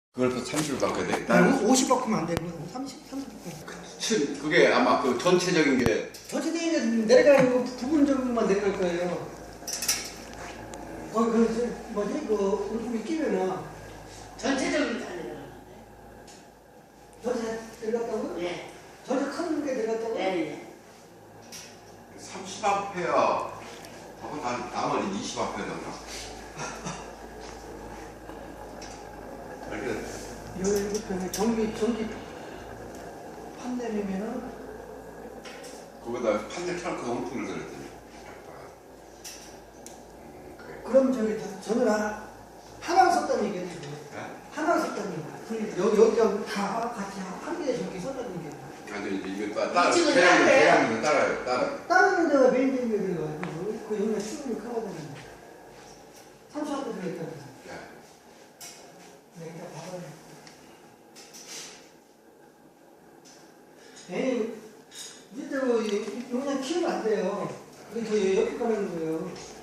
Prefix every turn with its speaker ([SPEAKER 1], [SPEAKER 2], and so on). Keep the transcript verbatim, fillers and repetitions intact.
[SPEAKER 1] 그걸 또 삼십을 바꿔야 돼?
[SPEAKER 2] 난 오십 바꾸면 안 되고 삼십, 삼십 바꾸면.
[SPEAKER 1] 그게 아마 그 전체적인 게
[SPEAKER 2] 전체적인 게 내려가는 거 부분적으로만 내려갈 거예요. 거기 그 뭐지 그 울품이 끼면은
[SPEAKER 3] 전체적으로 다 내려가는데.
[SPEAKER 2] 전체 내려갔다고?
[SPEAKER 3] 네.
[SPEAKER 2] 전체 큰 게 내려갔다고?
[SPEAKER 3] 네. 네.
[SPEAKER 1] 삼십 암페어 하고 난 나머지 이십 암페어던가. 알겠네.
[SPEAKER 2] 열일곱 평에 전기 전기 판넬이면은
[SPEAKER 1] 거기다 판넬 켜놓고 온풍을 들었더니.
[SPEAKER 2] 그럼 저기 다- 저는 하나 하나 썼다는 얘기네. 하나 썼다는 얘기. 그 여기 여기가 다 같이 한 개에 저기 썼다는 얘기.
[SPEAKER 1] 아니 이제 이거 따 따라
[SPEAKER 3] 이쪽은
[SPEAKER 1] 대량으로
[SPEAKER 3] 따라요?
[SPEAKER 1] 대량으로 따라요 따라.
[SPEAKER 2] 다른 데가 메인 전기를 가지고 그 여기가 수분이 커거든요. 삼십 와트 들어있다면서. 네, 일단 봐봐요. 에이, 이때로 용량 키우면 안 돼요. 그게 더 옆에 가는 거예요.